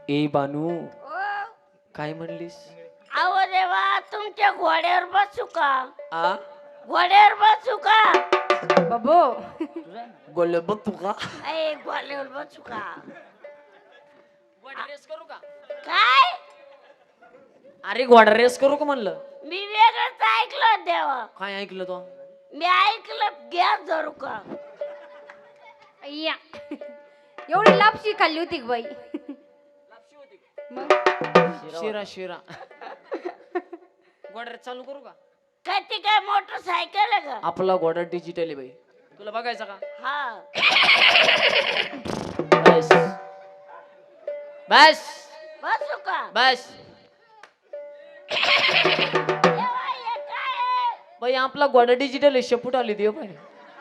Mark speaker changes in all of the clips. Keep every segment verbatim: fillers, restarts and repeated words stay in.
Speaker 1: ए बानू
Speaker 2: ओ,
Speaker 1: काय म्हणलीस?
Speaker 2: अहो देवा तुमच्या घोड्यावर बसू का?
Speaker 1: आ
Speaker 2: घोड्यावर बसू का?
Speaker 3: बाबो
Speaker 1: गोल बघ का
Speaker 2: ए घोड्यावर बसू का?
Speaker 1: घोडा रेस करू का?
Speaker 2: काय?
Speaker 1: अरे घोडा रेस करू का म्हणलं?
Speaker 2: मी वेगळंच ऐकलं देवा.
Speaker 1: काय ऐकलं तो?
Speaker 2: मी ऐकलं गॅस धरू का?
Speaker 3: अय्या एवढी लापशी खाल्ली होती का बाई? मग
Speaker 1: शिरा शिरा घोडा रेस चालू करू का?
Speaker 2: काय ती काय मोटरसायकल आहे का?
Speaker 1: आपला घोडा डिजिटल आहे बाई, तुला बघायचा का?
Speaker 2: हा
Speaker 1: बस बस
Speaker 2: बसू का?
Speaker 1: बस
Speaker 2: देवा, हे काय आहे?
Speaker 1: बाई आपला घोडा डिजिटल आहे, शेपूट आली देव बाई.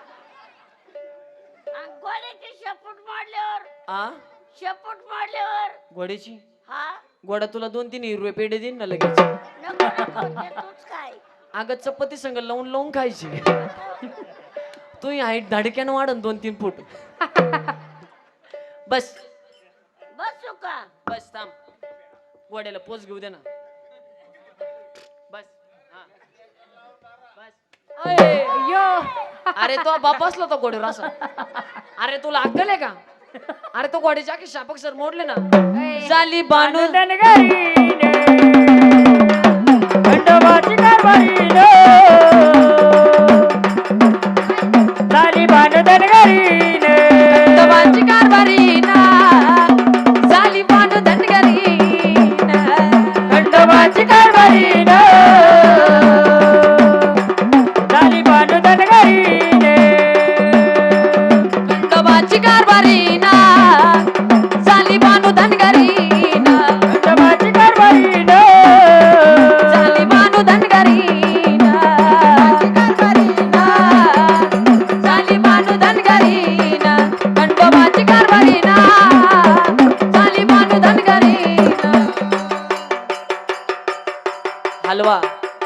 Speaker 2: आणि घोड्याची शेपूट मोडल्यावर
Speaker 1: आ
Speaker 2: शेपूट मोडल्यावर
Speaker 1: घोड्याची
Speaker 2: हा
Speaker 1: घोडा तुला दोन तीन हिरवे पेढे देईन ना लगेच.
Speaker 2: नको नको ते तूच काय?
Speaker 1: अगं चपाती संग लावून लावून खायची. तू हाईट धाडक्यानं वाढन दोन तीन फूट. बस
Speaker 2: बसू का?
Speaker 1: बस थांब, घोड्याला पोच घेऊ दे ना. बस हा बस. अये,
Speaker 3: अय्यो
Speaker 1: अरे तो बाप बसला तो घोड्यावर असा. अरे तुला अक्कल आहे का? अरे तो घोड्याचे आखे शापक सर मोडले ना.
Speaker 3: ऐ,
Speaker 1: झाली बानू
Speaker 4: खंडोबाची कारभारीन झाली भांडण घरीन
Speaker 1: खंडोबाची कारभारी ना, झाली बानू धनगरी ना.
Speaker 4: खंडोबाची कारभारीन झाली भांडण घरीन
Speaker 1: खंडोबाची कारभारी ना, झाली बानू धनगरी ना.
Speaker 4: खंडोबाची कारभारीन
Speaker 1: झाली बानू धनगरी ना. झाली बानू धनगरी ना. खंडोबाची कारभारी ना, झाली बानू धनगरी ना. हलवा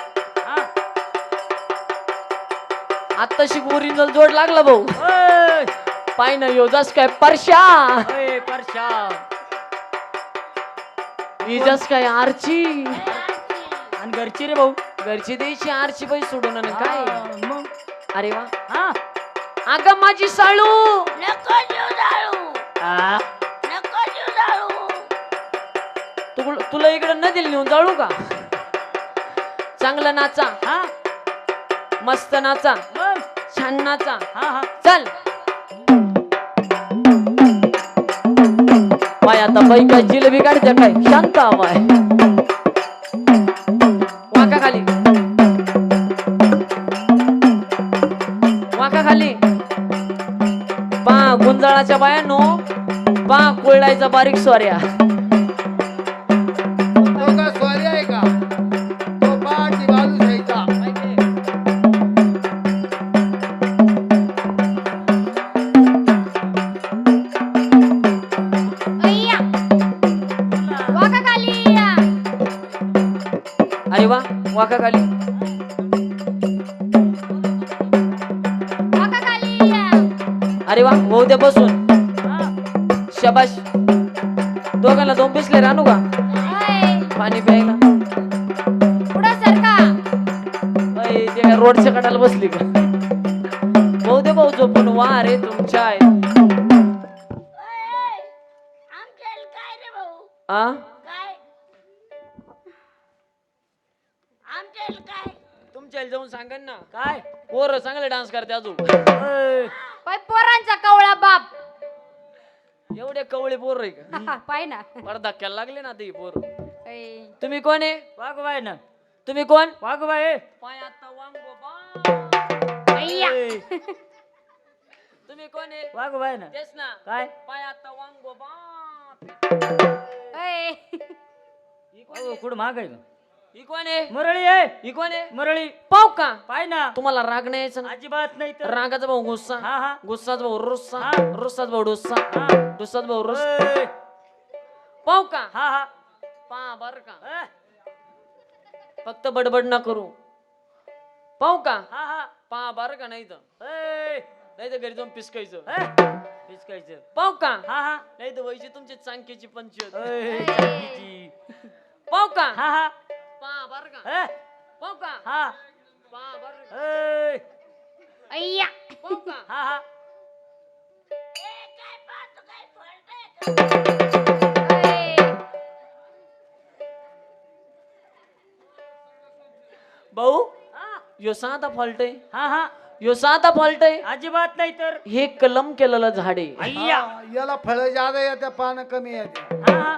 Speaker 1: आत्ताशी ओरिजिनल जोड लागला भाऊ. पाय ना योजास काय परशा,
Speaker 4: परशा
Speaker 1: इजास काय आरची.
Speaker 4: आणि घरची रे भाऊ
Speaker 1: घरची द्यायची आरची बाई सोडून आणि काय.
Speaker 4: हा, मग
Speaker 1: अरे वा
Speaker 4: हा
Speaker 1: अगं माझी साळू,
Speaker 2: नको जीव जाळू,
Speaker 4: हा.
Speaker 2: नको जीव जाळू.
Speaker 1: तू तुला इकडे नदीला नेऊन जाळू का? चांगलं नाचा,
Speaker 4: हा
Speaker 1: मस्त नाचा,
Speaker 4: मग
Speaker 1: छान नाचा.
Speaker 4: हा हा
Speaker 1: चल बाय आता बाई काय जिलेबी काढते काय? शांत बाय वाका खाली, वाका खाली. पा गुंजाळाच्या बायानो, पा कुळडायचा बारीक स्वाऱ्या.
Speaker 5: तो का स्वारी आहे का? तो पाठी बाजू घ्यायचा.
Speaker 3: अय्या वाका खाली या.
Speaker 1: अरे वा वाका खाली.
Speaker 3: वाका खाली या.
Speaker 1: अरे वा होऊ दे बसून.
Speaker 4: हा.
Speaker 1: शबाश. दोघांना दोन बिसले आणू का
Speaker 3: ऐ,
Speaker 1: पाणी प्यायला?
Speaker 3: पुढं सरका.
Speaker 1: अय, ते काय रोडच्या कडाला बसली का? भाऊ दे भाऊ झोपून वा रे तुमच्या आहे.
Speaker 2: ए, आमच्या इला काय रे भाऊ?
Speaker 1: आ
Speaker 2: काय? आमच्या इला काय?
Speaker 1: तुमच्या इला जाऊन सांगा ना.
Speaker 4: काय
Speaker 1: पोर चांगले डान्स करते अजून.
Speaker 4: ओय.
Speaker 3: पाय पोरांचा कवळा बाप.
Speaker 1: एवढे कवळे पोर आहे का?
Speaker 3: हा, पाय ना.
Speaker 1: बरं धक्क्याला लागले ना ते पोर.
Speaker 3: ऐ,
Speaker 1: तुम्ही कोण आहे?
Speaker 4: वाघोबाई ना
Speaker 1: तुम्ही कोण?
Speaker 4: वाघोबाई
Speaker 1: पाय आता वांगो बा.
Speaker 3: अय्या
Speaker 1: तुम्ही कोण आहे?
Speaker 4: वाघोबाई ना
Speaker 1: तेच ना.
Speaker 4: काय
Speaker 1: पाय आता वांगो बा.
Speaker 3: ऐ,
Speaker 1: ही कोण
Speaker 4: अहो,
Speaker 1: आहे?
Speaker 4: कुठं महाग आहे
Speaker 1: ही कोण आहे?
Speaker 4: मुरळी आहे
Speaker 1: ही कोण आहे?
Speaker 4: मुरळी
Speaker 1: पाव का?
Speaker 4: पाय ना
Speaker 1: तुम्हाला राग नाही यायचा ना?
Speaker 4: अजिबात नाही तर
Speaker 1: रागाचा भाऊ गुस्सा,
Speaker 4: हा हा
Speaker 1: गुस्साचा भाऊ रुस्सा,
Speaker 4: हा.
Speaker 1: रुस्साचा भाऊ डुस्सा,
Speaker 4: हा.
Speaker 1: डुस्साचा भाऊ रुस.
Speaker 4: ओय.
Speaker 1: पाव का?
Speaker 4: हा हा
Speaker 1: पा बर का?
Speaker 4: अ,
Speaker 1: फक्त बडबड ना करू. पाव का?
Speaker 4: हा हा
Speaker 1: पा बर का? नाही तर
Speaker 4: ओय.
Speaker 1: नाही तर घरी जाऊन पिसकायचं.
Speaker 4: अ, हिसकायचं.
Speaker 1: पाहू का
Speaker 4: हा हा
Speaker 1: नाही तर वैशी तुमची चांकीची पंचायत
Speaker 4: अय, चांदीची.
Speaker 1: पाहू का
Speaker 4: हा हा
Speaker 1: पा बर का
Speaker 4: ए,
Speaker 1: पाहू का
Speaker 4: हा
Speaker 1: पा बर का
Speaker 4: अय,
Speaker 3: अय्या
Speaker 1: पाहू का
Speaker 4: हा हा
Speaker 2: ए, काय पाहतो काय फळतंय का?
Speaker 3: अय.
Speaker 1: भाऊ
Speaker 4: हा
Speaker 1: यो साधा फॉल्ट आहे
Speaker 4: हा हा
Speaker 1: यो साधा फॉल्ट आहे
Speaker 4: अजिबात नाही तर
Speaker 1: हे कलम केलेलं झाड आहे
Speaker 4: अय्या
Speaker 5: हा, याला फळं जादा येते पानं कमी येते
Speaker 4: हा हा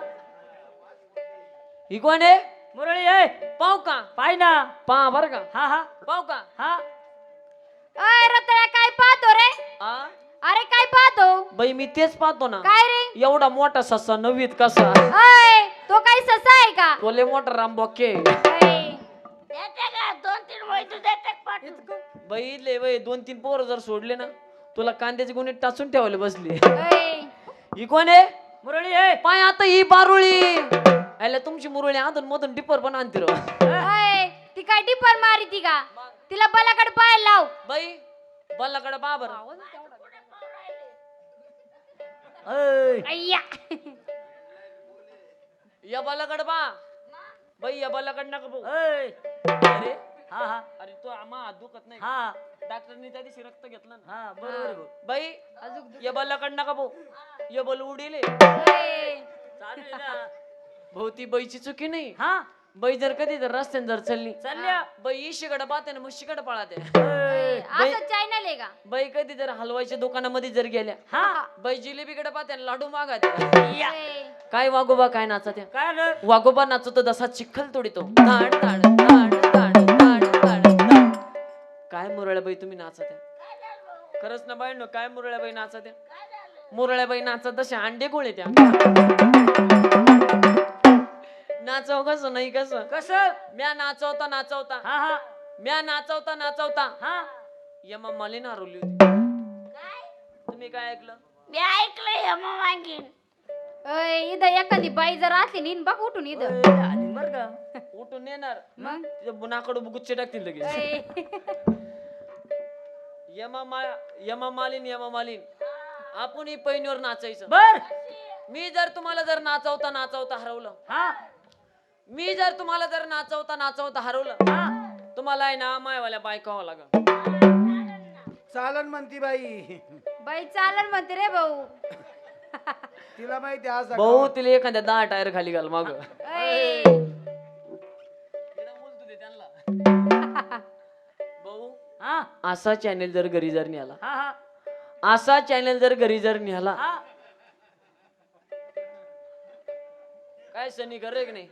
Speaker 1: ही कोण आहे
Speaker 4: मुरळी आहे
Speaker 1: पाहू का
Speaker 4: पाय ना
Speaker 1: पा बर का
Speaker 4: हा हा
Speaker 1: पाहू का
Speaker 4: हा
Speaker 3: अय रताळ्या काय पाहतो रे
Speaker 1: आ
Speaker 3: अरे काय पाहतो
Speaker 1: बाई मी तेच पाहतो ना
Speaker 3: काय रे
Speaker 1: एवढा मोठा ससा नवीत कसा
Speaker 3: अय तो काही ससा आहे का
Speaker 1: तोले मोठा रामबॉके
Speaker 3: अय.
Speaker 2: देते का दोन तीन वैतू देते का पाठवून?
Speaker 1: बाई ले बाई दोन तीन पोरं जर सोडले ना तुला कांद्याची गुन्हे टाचून ठेवले बसली
Speaker 3: अय.
Speaker 1: ही कोण आहे
Speaker 4: मुरळी आहे
Speaker 1: पाय आता ही बारुळी आयला तुमची मुरळी आधून मधून डिपर पण आणते रो
Speaker 3: अय. ती काय टिपर मारी ती का तिला बलाकडे पाय लाव
Speaker 1: बाई बल्लाकडे बाबर
Speaker 4: अय,
Speaker 3: अय्या
Speaker 1: या बल्लाकडे बा बाई या बल्लाकडे नका भाऊ
Speaker 4: अय,
Speaker 1: अरे
Speaker 4: हा हा
Speaker 1: अरे तो आम्हा हात दुखत नाही
Speaker 4: हा
Speaker 1: डॉक्टरनी त्या दिवशी रक्त घेतलं ना
Speaker 4: हा बरोबर आहे भाऊ.
Speaker 1: बाई या बल्लाकडे नका भाऊ या बल उडीले
Speaker 3: अय.
Speaker 4: चालू आहे ना
Speaker 1: भाऊ ती बाईची चुकी नाही
Speaker 4: हा
Speaker 1: बाई जर कधी जर रस्त्याने जर चालली
Speaker 4: चालल्या
Speaker 1: बाई इशीकडे पाहते ना म्हशीकडे पळाते
Speaker 4: अय,
Speaker 3: असं चॅनल आहे का
Speaker 1: बाई कधी जर हलवायच्या दुकानामध्ये जर गेल्या
Speaker 4: हा
Speaker 1: बाई जिलेबीकडे पाहते आणि लाडू मागाते
Speaker 4: या
Speaker 3: अय.
Speaker 1: काय वागोबा काय नाचत्या
Speaker 4: काय रे
Speaker 1: वागोबा नाचतो जसा चिखल तोडीतो ताड ताड ताड ताड ताड ताड ताड. काय मुरळ्या बाई तुम्ही नाचत्या खरंच ना बाई नो काय मुरळ्या बाई नाचत्या मुरळ्या बाई नाचत तसे अंडे गोळे त्या नाचव कसं नाही कसं
Speaker 4: कसं
Speaker 1: म्या नाचवता नाचवता
Speaker 4: हा हा
Speaker 1: म्या नाचवता नाचवता
Speaker 4: हा
Speaker 1: यमा मालिन हरवली होती तुम्ही काय ऐकलं
Speaker 2: मी ऐकलंय हेमा मागीन
Speaker 3: अय, इथं एखादी बाई जर असली नीन बघ उठून इथं
Speaker 4: अय, आली बरं का
Speaker 1: उठून येणार
Speaker 3: मग
Speaker 1: तिच्या बुनाकडे गुच्चे टाकतील लगेच
Speaker 3: अय.
Speaker 1: यमा मा यमा मालिन यमा मालिन आपण ही पैनीवर नाचायचं
Speaker 4: बर
Speaker 1: मी जर तुम्हाला जर नाचवता नाचवता हरवलं
Speaker 4: हा
Speaker 1: मी जर तुम्हाला जर नाचवता नाचवता हरवलं
Speaker 4: हा
Speaker 1: तुम्हाला आहे ना मायवाल्या बायकावं लागल
Speaker 5: चालन म्हणती बाई
Speaker 3: बाई चालन म्हणते रे भाऊ
Speaker 5: तिला माहिती असं
Speaker 1: भाऊ तिला एखाद्या दहा टायर खाली घाल माग
Speaker 3: अय.
Speaker 1: भाऊ
Speaker 4: हा
Speaker 1: असा चॅनेल जर घरी जर निघाला
Speaker 4: हा हा
Speaker 1: असा चॅनेल जर घरी जर निघाला
Speaker 4: हा
Speaker 1: काय सनी करे की नाही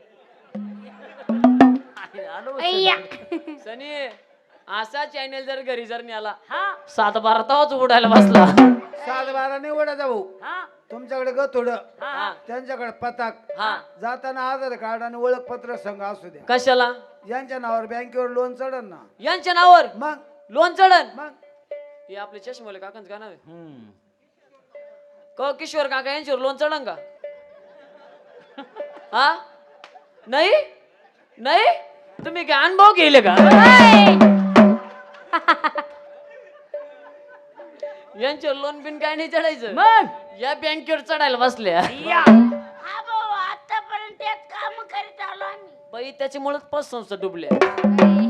Speaker 4: आली, आलो
Speaker 3: अय्या.
Speaker 1: सनी असा चॅनेल जर घरी जर निघाला
Speaker 4: हा
Speaker 1: सात बारा तावच उडायला बसला
Speaker 5: सात बारा नाही ओढायचा भाऊ
Speaker 4: हा
Speaker 5: तुमच्याकडे ग थोडं
Speaker 4: हा हा
Speaker 5: त्यांच्याकडे पताक
Speaker 1: हा
Speaker 5: जाताना आधार कार्ड आणि ओळखपत्र संघ असू द्या
Speaker 1: कशाला
Speaker 5: यांच्या नावावर बँकेवर लोन चढन ना
Speaker 1: यांच्या नावावर
Speaker 5: मग
Speaker 1: लोन चढन
Speaker 5: मग
Speaker 1: हे आपले चष्माले काकांच का नाव आहे
Speaker 4: हम्म.
Speaker 1: क किशोर काका यांच्यावर लोन चढन का हा नाही नाही तुम्ही काय अनुभव केले का
Speaker 3: अय.
Speaker 1: यांच्यावर लोन बिन काय नाही चढायचं
Speaker 4: मग
Speaker 1: या बँकेवर चढायला बसल्या
Speaker 4: या
Speaker 2: हा भाऊ आतापर्यंत तेच काम करीत आलो आम्ही
Speaker 1: बाई त्याच्यामुळेच पाच संस्था डुबल्या
Speaker 3: अय.